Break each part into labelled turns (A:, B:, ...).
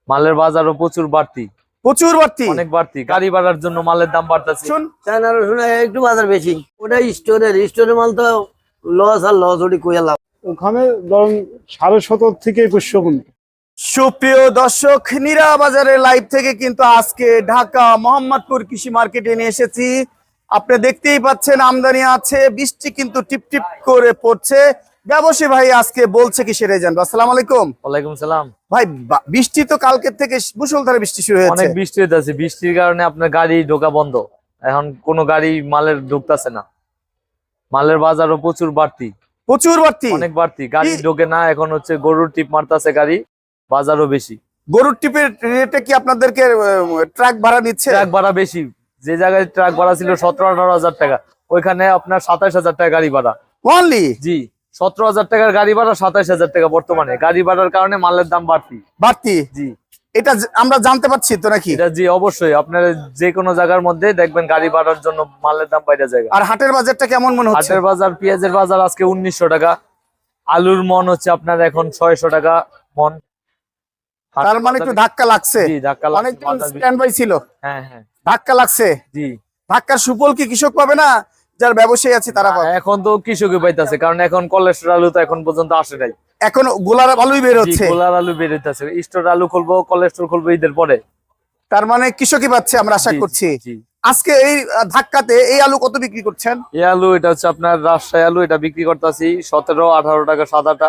A: মালের বাজারও প্রচুর বাড়তি, অনেক বাড়তি। গাড়ি বাড়ার জন্য মালের দাম বাড়তেছে।
B: চায়না রসুন একটু বাজার বেশি, ওটা স্টোরের মাল তো লস আর লস, ওটি কইয়া লাভ।
C: ওখানে ধরুন 17.5 থেকে 2100 কুইন্টাল।
D: সুপ্রিয় দর্শক, নীরা বাজারের লাইভ থেকে কিন্তু আজকে ঢাকা মোহাম্মদপুর কৃষি মার্কেটে নিয়ে এসেছি। আপনি দেখতেই পাচ্ছেন আমদানি আছে, বৃষ্টি কিন্তু টিপ টিপ করে পড়ছে। ব্যবসায়ী ভাই আজকে বলছে কি সেটাই জানবো। আসসালামু আলাইকুম।
A: ওয়ালাইকুম সালাম।
D: ভাই বৃষ্টি তো কালকের থেকে মুষলধারে বৃষ্টি শুরু হয়েছে।
A: অনেক বৃষ্টি হইতাছে, বৃষ্টির কারণে আপনার গাড়ি ঢোকা বন্ধ। এখন কোনো গাড়ি মালের ঢুকতেছে না। মালের বাজারও প্রচুর বাড়তি, অনেক বাড়তি। গাড়ি ঢোকে না। এখন হচ্ছে গরুর টিপ মারতেছে গাড়ি, বাজারও বেশি।
D: গরুর টিপের রেটে কি আপনাদেরকে ট্রাক ভাড়া নিচ্ছে?
A: ট্রাক ভাড়া বেশি। যে জায়গায় ট্রাক ভাড়া ছিল 17-18 হাজার টাকা, ওইখানে আপনার 27 হাজার টাকা গাড়ি ভাড়া
D: অনলি।
A: জি, 17 হাজার টাকার গাড়ি ভাড়া 27 হাজার টাকা বর্তমানে। গাড়ি ভাড়ার কারণে মালের দাম বাড়তি।
D: জি, এটা আমরা জানতে পারছি তো নাকি?
A: এটা জি অবশ্যই। আপনারা যে কোনো জায়গার মধ্যে দেখবেন গাড়ি ভাড়ার জন্য মালের দাম বাইরে যায়।
D: আর হাটের বাজারটা কেমন মনে হচ্ছে?
A: হাটের বাজার, পেঁয়াজের বাজার আজকে 1900 টাকা। আলুর মন হচ্ছে আপনার এখন 600 টাকা মন।
D: তার মানে একটু ধাক্কা লাগছে।
A: জি, ধাক্কা লাগছে।
D: অনেকদিন স্ট্যান্ড বাই ছিল।
A: হ্যাঁ,
D: ধাক্কা লাগছে।
A: জি,
D: ধাক্কার সুফল কি কৃষক পাবে না, যারা ব্যবসায়ী আছে তারা পাবে?
A: এখন তো কৃষকই পাইতাছে, কারণ এখন কলেস্টর আলু তো এখন পর্যন্ত আসে নাই।
D: এখন গোলার আলুই বের হচ্ছে।
A: গোলার আলু বের হইতাছে। স্টোর আলু খুলবো, কলেস্টর খুলবো ঈদের পরে।
D: তার মানে কৃষকই পাচ্ছে, আমরা আশা করছি। আজকে এই ধাক্কাতে এই আলু কত বিক্রি করছেন?
A: এই আলু এটা হচ্ছে আপনার রাজশাহী আলু, এটা বিক্রি করতেছি 17-18 টাকা সাদাটা।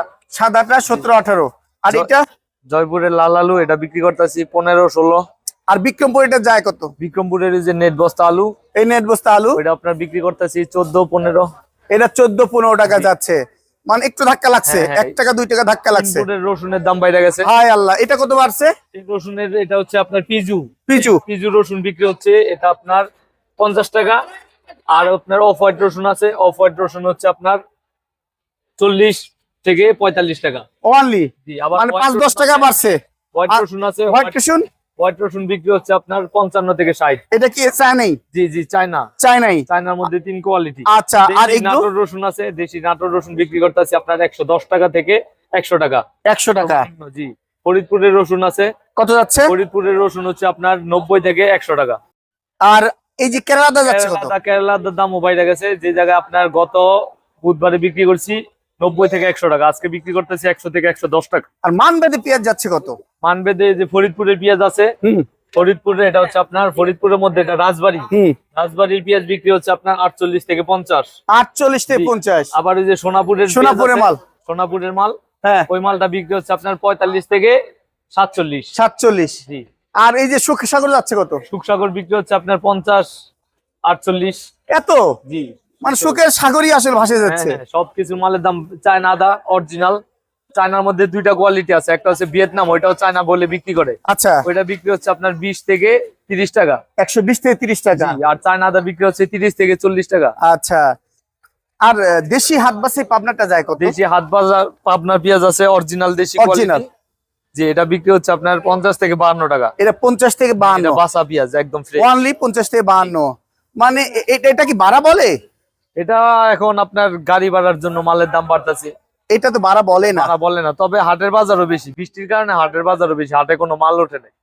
D: 17-18। আর এটা
A: জয়পুরের লাল আলু, এটা বিক্রি করতেছি 15-16।
D: আর বিক্রমপুর এটা যায় কত?
A: বিক্রমপুরের যে নেট বস্তা আলু,
D: এই নেট বস্তা আলু
A: এটা আপনার বিক্রি করতেছি 14-15।
D: এটা 14-15 টাকা যাচ্ছে। মানে একটু ধাক্কা লাগছে, 1 টাকা 2 টাকা ধাক্কা লাগছে।
A: রসুনের দাম বাইরে গেছে।
D: হায় আল্লাহ, এটা কত বাড়ছে?
A: রসুনের এটা হচ্ছে আপনার পিজু রসুন বিক্রি হচ্ছে, এটা আপনার 50 টাকা। আর আপনার অফ হোয়াইট রসুন আছে, অফ হোয়াইট রসুন হচ্ছে আপনার 40 থেকে 45 টাকা
D: অনলি। মানে 5-10 টাকা বাড়ছে।
A: হোয়াইট রসুন আছে, হোয়াইট রসুন বিক্রি হচ্ছে আপনার 55 থেকে 60।
D: এটা কি চায়নাই?
A: জি, চায়নার মধ্যে 3 কোয়ালিটি।
D: আচ্ছা, আর
A: নাটোর রসুন আছে, দেশি নাটোর রসুন বিক্রি করতেছি আপনার 110 টাকা থেকে 100 টাকা।
D: 100 টাকা।
A: জি, ফরিদপুরের রসুন আছে।
D: কত যাচ্ছে?
A: ফরিদপুরের রসুন হচ্ছে আপনার 90 থেকে 100 টাকা।
D: আর এই যে কেরালাদা যাচ্ছে কত?
A: কেরালার দামও বাইরে গেছে। যে জায়গায় আপনার গত বুধবারে বিক্রি করছি 90 থেকে 100 টাকা, আজকে বিক্রি করতেছি 100 থেকে 110 টাকা।
D: আর মানবেদে পেঁয়াজ যাচ্ছে কত?
A: মানবেদে যে ফরিদপুরের পেঁয়াজ আছে, ফরিদপুরে এটা হচ্ছে আপনার ফরিদপুরের মধ্যে এটা রাজবাড়ির পেঁয়াজ বিক্রি হচ্ছে আপনার 48 থেকে 50।
D: 48 থেকে 50।
A: আবার ওই যে সোনাপুরের মাল,
D: হ্যাঁ,
A: ওই মালটা বিক্রি হচ্ছে আপনার 45 থেকে 47। জি।
D: আর এই যে সুখসাগর যাচ্ছে কত?
A: সুখসাগর বিক্রি হচ্ছে আপনার 50-48।
D: এত?
A: জি,
D: মানে সুখের সাগরই আসলে ভাসে যাচ্ছে।
A: সবকিছু মালের দাম। চায়না আদা অরিজিনাল, চায়নার মধ্যে 2টা কোয়ালিটি আছে। একটা হচ্ছে ভিয়েতনাম, ওইটাও চায়না বলে বিক্রি করে।
D: আচ্ছা,
A: ওইটা বিক্রি হচ্ছে আপনার 20 থেকে 30 টাকা।
D: 120 থেকে 30 টাকা।
A: আর চায়না আদা বিক্রি হচ্ছে 30 থেকে 40 টাকা।
D: আচ্ছা, আর দেশি হাটবাসী পাবনাটা যায় কত?
A: দেশি হাট বাজার পাবনার পেঁয়াজ আছে অরিজিনাল দেশি কোয়ালিটি। জি, এটা বিক্রি হচ্ছে আপনার 50 থেকে 52 টাকা।
D: এটা 50 থেকে 52।
A: এটা বাসা পেঁয়াজ একদম ফ্রেশ।
D: অনলি 50 থেকে 52। মানে এটা কি ভাড়া বলে?
A: এটা এখন আপনার গাড়ি ভাড়ার জন্য মালের দাম বাড়তেছে।
D: এটা তো ভাড়া বলে না।
A: তবে হাটের বাজারও বেশি, বৃষ্টির কারণে হাটের বাজারও বেশি। হাটে কোনো মাল ওঠে না।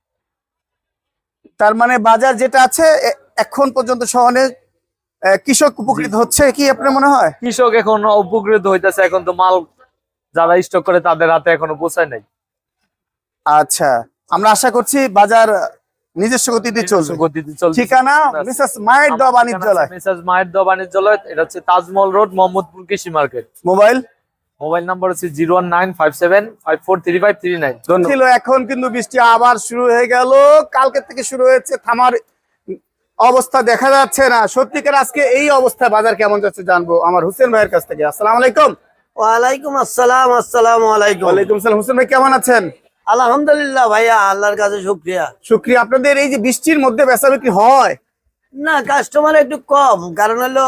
D: তার মানে বাজার যেটা আছে এখন পর্যন্ত শহরে কৃষক উপকৃত হচ্ছে কি আপনার মনে হয়?
A: কৃষক এখন উপকৃত হইতেছে। এখন তো মাল যারা স্টক করে তাদের হাতে এখনো পৌঁছায় নাই।
D: আচ্ছা, আমরা আশা করছি বাজার নিজস্ব গতিতে চলছে। ঠিকানা মিসেস মায়ের দোয়া বাণিজ্যালয়।
A: এটা হচ্ছে তাজমহল রোড, মোহাম্মদপুর কৃষি মার্কেট। মোবাইল নাম্বার হচ্ছে 01957543539।
D: ছিল। এখন কিন্তু বৃষ্টি আবার শুরু হয়ে গেল। কালকে থেকে শুরু হয়েছে, থামার অবস্থা দেখা যাচ্ছে না। সত্যিকার আজকে এই অবস্থা বাজার কেমন যাচ্ছে জানবো আমার হোসেন ভাইয়ের কাছ থেকে। আসসালামু আলাইকুম।
B: ওয়ালাইকুম আসসালাম। আসসালামু আলাইকুম।
D: ওয়ালাইকুম সালাম। হোসেন ভাই কেমন আছেন?
B: আলহামদুলিল্লাহ ভাইয়া, আল্লাহর কাছে শুকরিয়া।
D: আপনাদের এই যে বৃষ্টির মধ্যে বেচা বিক্রি হয়
B: না? কাস্টমার একটু কম, কারণ হলো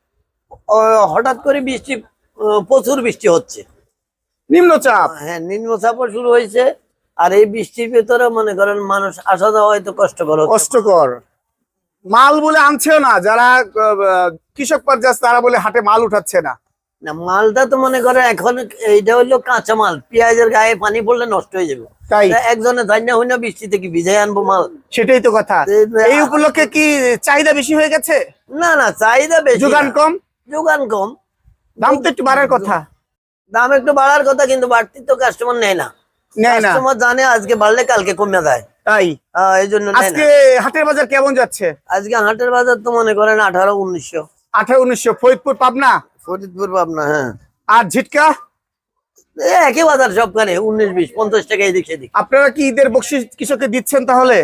B: হঠাৎ করে প্রচুর বৃষ্টি হচ্ছে,
D: নিম্নচাপ।
B: হ্যাঁ, নিম্নচাপও শুরু হয়েছে। আর এই বৃষ্টির ভিতরে মনে করেন মানুষ আসা যাওয়া হয়তো কষ্টকর।
D: মাল বলে আনছেও না, যারা কৃষক পর্যায়ে তারা বলে হাটে মাল উঠাচ্ছে না।
B: না মালটা তো মনে করে এখন এইটা হলো কাঁচা মাল, পেঁয়াজের গায়ে পানি পড়লে নষ্ট হয়ে যাবে।
D: তাই
B: তা একজনে ধান্যা হই না বৃষ্টিতে কি ভিজাই আনবো মাল?
D: সেটাই তো কথা। এই উপলক্ষে কি চাহিদা বেশি হয়ে গেছে?
B: না না, চাহিদা বেশি,
D: যোগান কম,
B: যোগান কম,
D: দাম তো একটু বাড়ার কথা।
B: দাম একটু বাড়ার কথা, কিন্তু বাড়তি তো কাস্টমার নেয় না।
D: নেয় না,
B: কাস্টমার জানে আজকে বাড়লে কালকে কমে যায়,
D: তাই
B: এই জন্য নেয় না।
D: আজকে হাটের বাজার কেমন যাচ্ছে?
B: আজকে হাটের বাজার তো মনে করেন 1800-1900।
D: 1800 ফরিদপুর পাবনা
B: ফরিদপুর পাবনা, হ্যাঁ।
D: আর ঝিটকা
B: একই বাজার সবখানে 19-20, 50 টাকা এদিক সেদিক।
D: আপনারা কি ঈদের বকশিশ কৃষককে দিচ্ছেন তাহলে?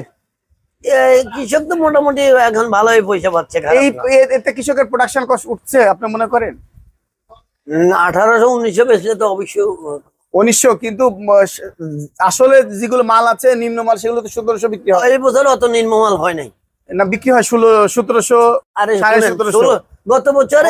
B: কৃষক তো মোটামুটি এখন ভালোই পয়সা পাচ্ছে।
D: এই এতে কৃষকের প্রোডাকশন কস্ট উঠছে আপনি মনে করেন?
B: 1800-1900 বেচলে তো অবশ্যই
D: 1900, কিন্তু আসলে যেগুলো মাল আছে নিম্ন মাল সেগুলো তো 1700 বিক্রি হয়।
B: এই বছর অত নিম্নমাল হয় নাই,
D: না বিক্রি হয় 1700,
B: আরে
D: 1750।
B: গত বছর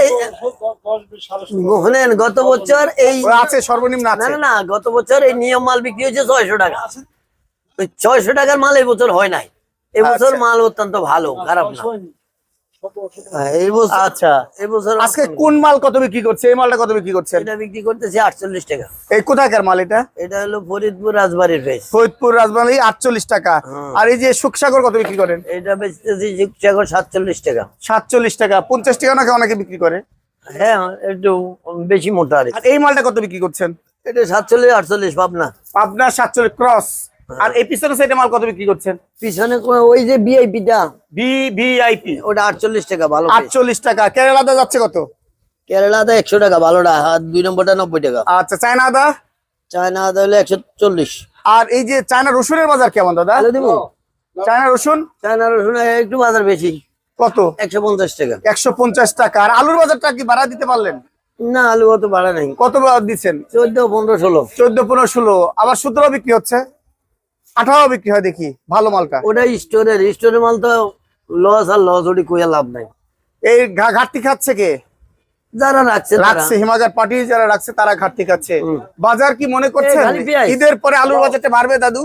B: শুনেন, গত বছর এই
D: আছে সর্বনিম্ন
B: না
D: আছে।
B: না না, গত বছর এই নিয়ম মাল বিক্রি হয়েছে 600 টাকা। ওই 600 টাকার মাল এই বছর হয় নাই। এবছর
D: আচ্ছা।
B: মাল অত্যন্ত ভালো, খারাপ না। এই বছর
D: আচ্ছা,
B: এই বছর
D: আজকে কোন মাল কত বিক্রি করছে? এই মালটা কত বিক্রি করছেন?
B: এটা বিক্রি করতেছি 48 টাকা।
D: এই কোথাকার মাল এটা?
B: এটা হলো ফরিদপুর রাজবাড়ির ফেস।
D: ফরিদপুর রাজবাড়ী 48 টাকা।
B: হুম।
D: আর এই যে সুখসাগর কত বিক্রি করেন?
B: এটা বেচতেছি শিবসাগর 47 টাকা।
D: 47 টাকা। 50 টাকা নাকি অনেকে বিক্রি করে।
B: হ্যাঁ, একটু বেশি মোটা আর কি।
D: আর এই মালটা কত বিক্রি করছেন?
B: এটা 47-48 পাবনা।
D: পাবনা 47 ক্রস। আর এই পিছনে সাইডে মাল কত বিক্রি করছেন?
B: পিছনে ওই যে ভিআইপিটা,
D: ভিআইপি
B: ওটা 48 টাকা, ভালো piece।
D: 48 টাকা। কেরালাদা যাচ্ছে কত?
B: কেরালাতে 100 টাকা ভালোটা, আর 2 নম্বরটা 90 টাকা।
D: আচ্ছা, চায়না আদা?
B: চায়না আদা হলো 140।
D: আর এই যে চায়না রসুনের বাজার কেমন দাদা?
B: তাহলে দিব
D: চায়না রসুন
B: চায়না রসুন একটু বাজার বেশি,
D: কত?
B: 150 টাকা।
D: 150 টাকা। আর আলুর বাজারটা কি বাড়া দিতে পারলেন?
B: না, আলু অত বাড়া নাই,
D: কত দিচ্ছেন?
B: 14, 15, 16।
D: 14, 15, 16। আবার 17 বিক্রি হচ্ছে, 18 বিক্রি হয় দেখি ভালো মালটা।
B: ওটা স্টোরের মাল তো লস, আর লস ওটি কইয়া লাভ নাই।
D: এই ঘাটতি খাচ্ছে কে?
B: যারা রাখছে
D: রাখছে হিমাগার পার্টি যারা রাখছে তারা ঘাটতি খাচ্ছে।
B: হুম।
D: বাজার কি মনে করছেন
B: খালি পেঁয়াজ।
D: ঈদের পরে আলুর বাজারটা বাড়বে দাদু?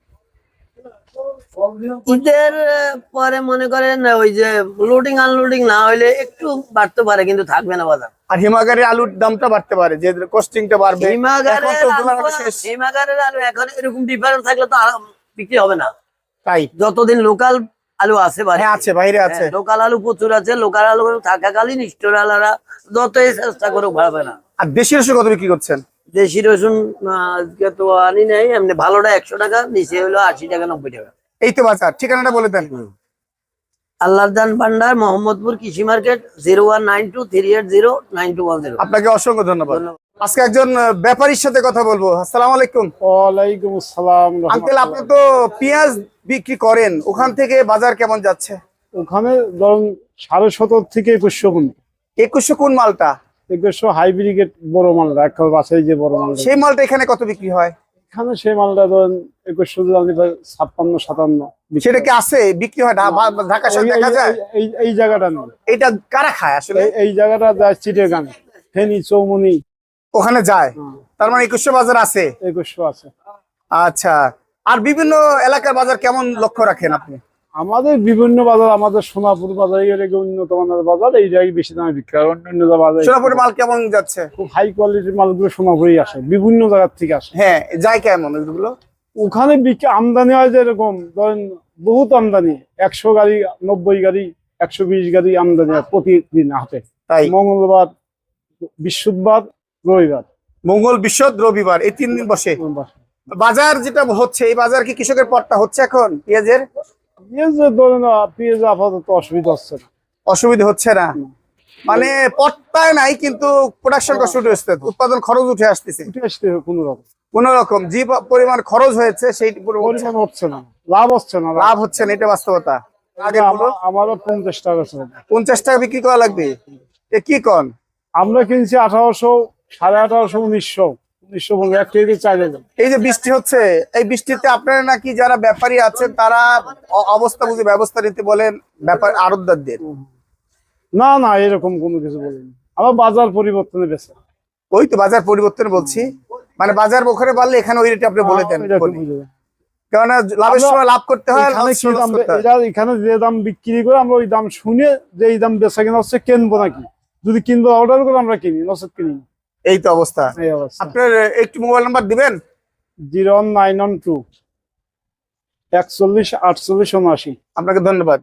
B: ঈদের পরে মনে করেন ওই যে লোডিং আনলোডিং না হইলে একটু বাড়তে পারে, কিন্তু থাকবে না বাজার।
D: আর হিমাগারের আলুর দামটা বাড়তে পারে, যে কস্টিংটা বাড়বে।
B: হিমাগারের
D: এখন তো তুলনামূলক শেষ।
B: হিমাগারের আলু এখন এরকম ডিফারেন্স থাকলে তো আর বিক্রি হবে না।
D: তাই
B: যতদিন লোকাল আলু আছে
D: হ্যাঁ, আছে বাইরে আছে।
B: লোকাল আলু প্রচুর আছে, লোকাল আলু থাকাকালীন স্টোর আলারা যতই চেষ্টা করুক ভাড়বে না।
D: আর দেশি রসুন কত বিক্রি করছেন?
B: দেশি রসুন আজকে তো আনি নাই, এমনি ভালোটা 100 টাকা, নিচে হলো 80 টাকা, 90 টাকা।
D: এই তো বাজার। ঠিকানাটা বলে দেন।
B: আল্লাহর দান ভান্ডার, মোহাম্মদপুর কৃষি মার্কেট, 019238092110।
D: আপনাকে অসংখ্য ধন্যবাদ। আজকে একজন ব্যাপারীর সাথে কথা বলবো। আসসালামু আলাইকুম।
C: ওয়ালাইকুম আসসালাম।
D: আঙ্কেল, আপনি তো পেঁয়াজ বিক্রি করেন, ওখান থেকে বাজার কেমন যাচ্ছে?
C: ওখানে ধরুন 1750 থেকে 2100 পর্যন্ত।
D: 2100 কোন মালটা?
C: 2100 হাইব্রিড বড় মালটা, একটা বাসাই যে বড় মালটা,
D: সেই মালটা এখানে কত বিক্রি হয়?
C: এখানে সেই মালটা ধরুন 2100 56-57
D: সেটা কি আছে বিক্রি হয়? ঢাকা শহরে দেখা যায়?
C: এই জায়গাটা নেই,
D: এটা কারা খায় আসলে?
C: এই জায়গাটা যায় চিটাগাং, ফেনী, চৌমনি,
D: ওখানে যায়। তার মানে 2100 বাজার আছে।
C: 2100 আছে।
D: আচ্ছা, আর বিভিন্ন এলাকার বাজার কেমন লক্ষ্য রাখেন আপনি?
C: আমাদের বিভিন্ন বাজার, আমাদের সোনাপুর বাজার উন্নত মানের বাজার, এই জায়গায় বেশি দামে বিক্রি হয়। অন্য বাজার
D: সোনাপুরের মাল কেমন যাচ্ছে?
C: খুব হাই কোয়ালিটির মালগুলো সোনাপুরেই আসে, বিভিন্ন জায়গার থেকে আসে।
D: হ্যাঁ, যায় কেমন ওইগুলো?
C: ওখানে বিক্রি আমদানি হয় যেরকম ধরেন বহুত আমদানি, 100 গাড়ি, 90 গাড়ি, 120 গাড়ি আমদানি হয় প্রতিদিন হাটে।
D: তাই
C: মঙ্গলবার, বৃহস্পতিবার, রবিবার।
D: মঙ্গল, বৃহস্পতি, রবিবার এই 3 দিন বসে বাজার। যেটা হচ্ছে এই বাজার কি কৃষকের পড়তা হচ্ছে এখন পেঁয়াজের?
C: ধরেন পেঁয়াজ আপাতত অসুবিধা হচ্ছে না।
D: অসুবিধা হচ্ছে না মানে পড়তায় নাই, কিন্তু প্রোডাকশন কষ্ট হচ্ছে, উৎপাদন খরচ উঠে আসতেছে।
C: উঠে আসতে হবে
D: কোন রকম যে পরিমাণ খরচ হয়েছে সেই
C: পরিমাণ হচ্ছে না, লাভ হচ্ছে না।
D: লাভ হচ্ছে না, এটা বাস্তবতা। আগে
C: আমারও 50 টাকা ছিল,
D: 50 টাকা বিক্রি করা লাগবে। এ কি কন?
C: আমরা কিনছি 1800, 1850, 1900 বলবো, 1 কেজি চাইলে।
D: এই যে বৃষ্টি হচ্ছে, এই বৃষ্টিতে আপনারা নাকি যারা ব্যাপারী আছেন তারা অবস্থা বুঝে ব্যবস্থা নিতে বলেন ব্যাপার আড়তদারদের?
C: না না, এরকম কোনো কিছু বলিনি, আমার বাজার পরিবর্তনে বেশি।
D: ওই তো বাজার পরিবর্তন বলছি, মানে বাজার ওখানে বাড়লে এখানে ওই রেটে আপনি বলে দেন। কেননা লাভের সময় লাভ করতে হয়।
C: এখানে যে দাম বিক্রি করে আমরা ওই দাম শুনে যে এই দাম বেচা কেনা হচ্ছে, কিনবো নাকি, যদি কিনবো অর্ডার করে আমরা কিনি, নচেত কিনি।
D: এই তো অবস্থা।
C: এই অবস্থা।
D: আপনার একটু মোবাইল নাম্বার দিবেন?
C: 01912 41 48 79।
D: আপনাকে ধন্যবাদ।